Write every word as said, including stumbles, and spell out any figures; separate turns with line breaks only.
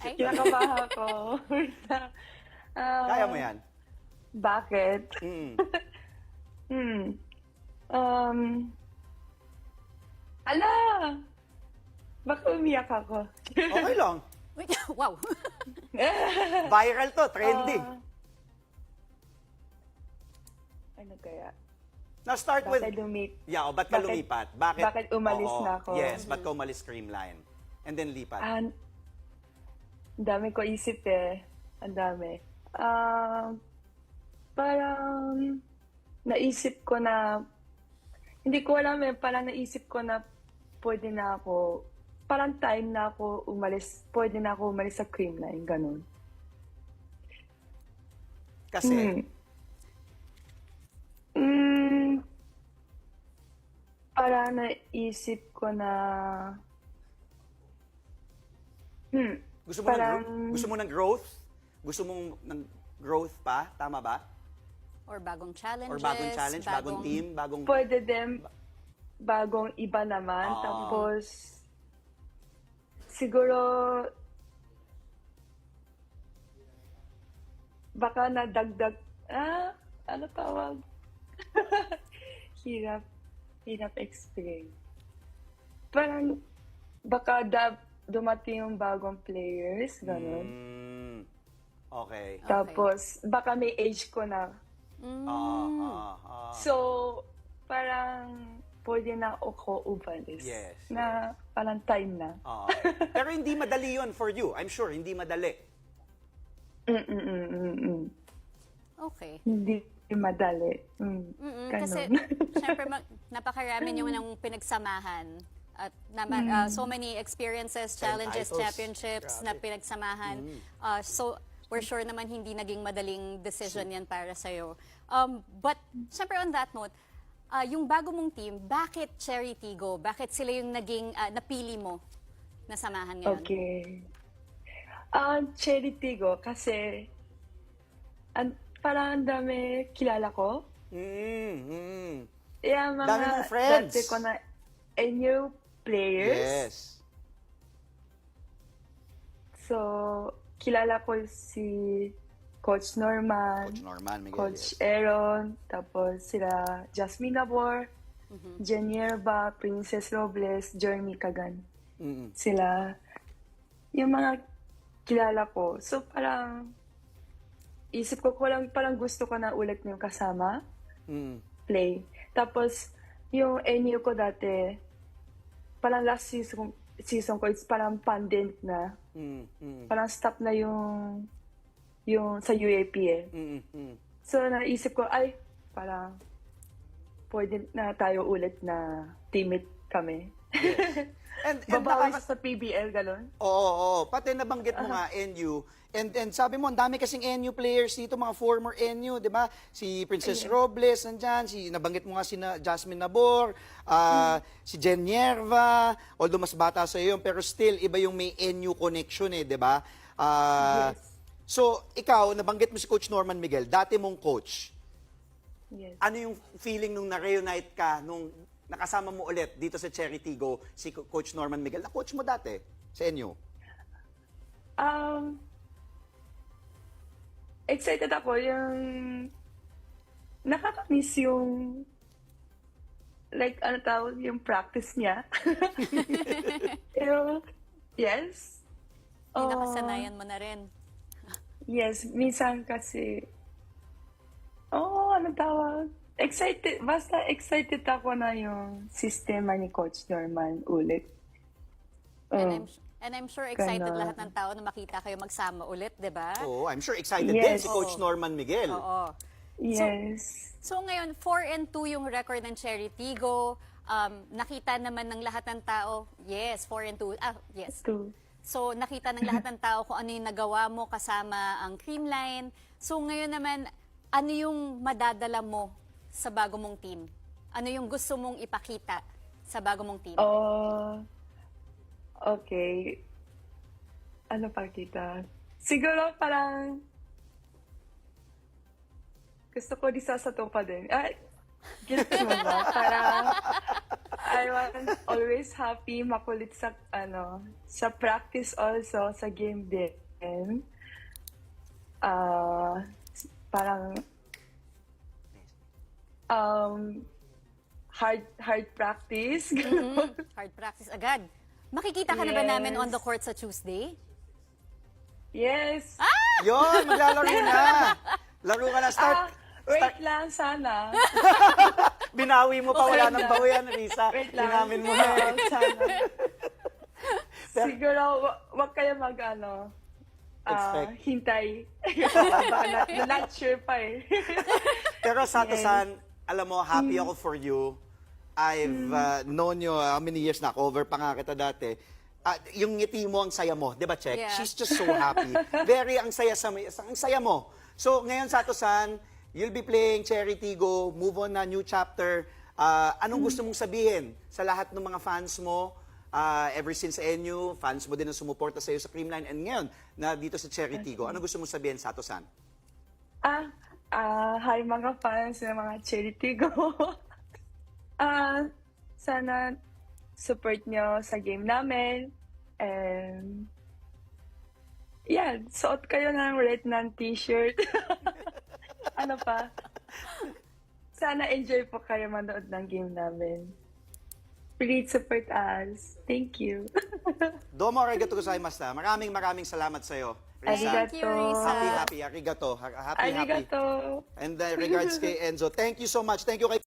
Ay,
Kinakabahan ako. Wait lang. Ah,
Kaya mo yan.
Bakit?
Mm.
Hmm. Um, ala! Baka umiyak ako.
Okay lang.
wait, wow.
Viral to, trending.
Ah, ano kaya?
Now start with...
Bakit lumit?
Yeah, o ba't ka
Bakit-
lumipat? Bakit?
bakit umalis
Oo,
na ako?
Yes, ba't ka umalis Creamline? And then lipat.
Ah, ang dami ko isip eh. Ang dami. Ah, parang naisip ko na, hindi ko alam eh, parang naisip ko na pwede na ako, parang time na ako umalis, pwede na ako umalis sa Creamline, ganun.
Kasi,
Hmm. Mm, parang naisip ko na, hmm,
gusto mo, ng,
parang-
gro- gusto mo ng growth? Gusto mong ng growth pa? Tama ba?
Or bagong challenges.
Or bagong challenge, bagong, team, bagong...
pwede din bagong iba naman.
Ah.
Tapos, siguro, baka nadagdag, ah, ano tawag? hirap, hirap explain. Parang, baka da, dumating yung bagong players, gano'n.
Mm, okay.
Tapos, baka may age ko na.
Mm.
Ah, ah, ah.
So, parang pwede na ako umalis.
Yes,
Na parang time na.
Ah. Pero hindi madali yon for you. I'm sure, hindi madali.
Mm-mm-mm-mm.
Okay.
Hindi madali. Mm.
Mm-mm,
Ganon.
kasi, syempre, mag, napakarami niyo ng pinagsamahan. At naman, uh, so many experiences, challenges,
titles.
championships na pinagsamahan. Uh, so, we're sure naman hindi naging madaling decision yan para sa'yo. Um, but, syempre on that note, uh, yung bago mong team, bakit Cherry Tigo? Bakit sila yung naging uh, napili mo na samahan ngayon?
Okay. Ang Cherry Tigo kasi an, parang ang dami kilala ko.
Mm, mm.
Yeah, mga
Dami mong friends.
dati ko na eh, new players.
Yes.
So, kilala ko si Coach Norman,
Coach Norman Miguel.
Coach
yes.
Aaron, tapos sila Jasmine Nabor, Jenierba, Princess Robles, Jeremy Kagan.
Mm-mm.
Sila, yung mga kilala ko. So parang, isip ko ko lang, parang gusto ko na ulit yung kasama,
Mm.
play. Tapos, yung N U ko dati, parang last season, season ko, it's parang pandemic na.
Mm, mm,
Parang stop na yung yung sa U A P eh.
mm, mm.
So naisip ko, ay, parang pwede na tayo ulit na teammate kami.
And, and
Babawi
nakaka-
sa P B L, gano'n?
Oo, oo. Pati nabanggit mo nga N U. And, and sabi mo, ang dami kasing N U players dito, mga former N U, di ba? Si Princess Robles, nandyan. Si, nabanggit mo nga si na, Jasmine Nabor, ah, si Jen Nierva, although mas bata sa iyo, pero still, iba yung may N U connection eh, di ba? Ah,
Yes.
So, ikaw, nabanggit mo si Coach Norman Miguel, dati mong coach.
Yes.
Ano yung feeling nung na-reunite ka, nung nakasama mo ulit dito sa Cherry Tigo, si Co- Coach Norman Miguel, na coach mo dati sa N U?
Um, excited ako yung nakakamiss yung like ano tawag yung practice niya. Pero yes.
Yung
Oh,
nakasanayan mo na rin.
yes, minsan kasi oh, ano tawag? Excited, basta excited ako na yung sistema ni Coach Norman ulit.
And
Oh,
I'm, and I'm sure excited
Ganon.
lahat ng tao na makita kayo magsama ulit, di ba?
Oo, I'm sure excited din
Yes.
si Coach Norman Miguel.
Oo.
yes.
So ngayon, four and two yung record ng Cherry Tigo. Um, nakita naman ng lahat ng tao, yes, four and two. Ah, yes.
Two.
So nakita ng lahat ng tao kung ano yung nagawa mo kasama ang Creamline. So ngayon naman, ano yung madadala mo sa bago mong team? Ano yung gusto mong ipakita sa bago mong team?
Oh, okay. Ano pa kita? Siguro parang gusto ko di sa sato pa din. Ay, gets mo ba? Parang I want always happy, makulit sa, ano, sa practice also, sa game din. Ah, parang, um, hard, hard practice.
Mm, hard practice agad. Makikita ka na ba namin
Yes.
on the court sa Tuesday?
Yes.
Yun, maglalaro na. Laro ka na. Start.
Ah, wait lang, sana.
Binawi mo pa. Wala
Okay
nang
lang.
bawian, Risa.
Wait lang.
Inamin mo na.
Oo, sana. Siguro, wa- wag kayo mag, ano, ah,
Expect.
hintay. Baka not, not sure pa eh.
Pero Sato-san,
Yes.
alam mo, happy ako for you. I've uh, known you uh, how many years na, cover pa nga kita dati. Ah, yung ngiti mo, ang saya mo, di ba, Check?
Yeah.
She's just so happy. Very, ang saya, sa, ang saya mo. So, ngayon, Sato-san, you'll be playing Charity Go, move on na, new chapter. Ah, anong gusto mong sabihin sa lahat ng mga fans mo? Ah, ever since N U, fans mo din ang sumuporta sa iyo sa Creamline. And ngayon, na dito sa Charity Go, anong gusto mong sabihin, Sato-san?
Ah, ah, hi mga fans ng mga Charity Go. Ah, sana support nyo sa game namin. And, yan, suot kayo ng red ng t-shirt. Ano pa? Sana enjoy po kayo manood ng game namin. Please support us. Thank you.
Domo arigato gozaimasu. Maraming maraming salamat sa iyo.
Arigato.
Thank you, Risa.
Happy, happy, arigato. Ha- Happy, happy.
Arigato.
And uh, regards kay Enzo. Thank you so much. Thank you kay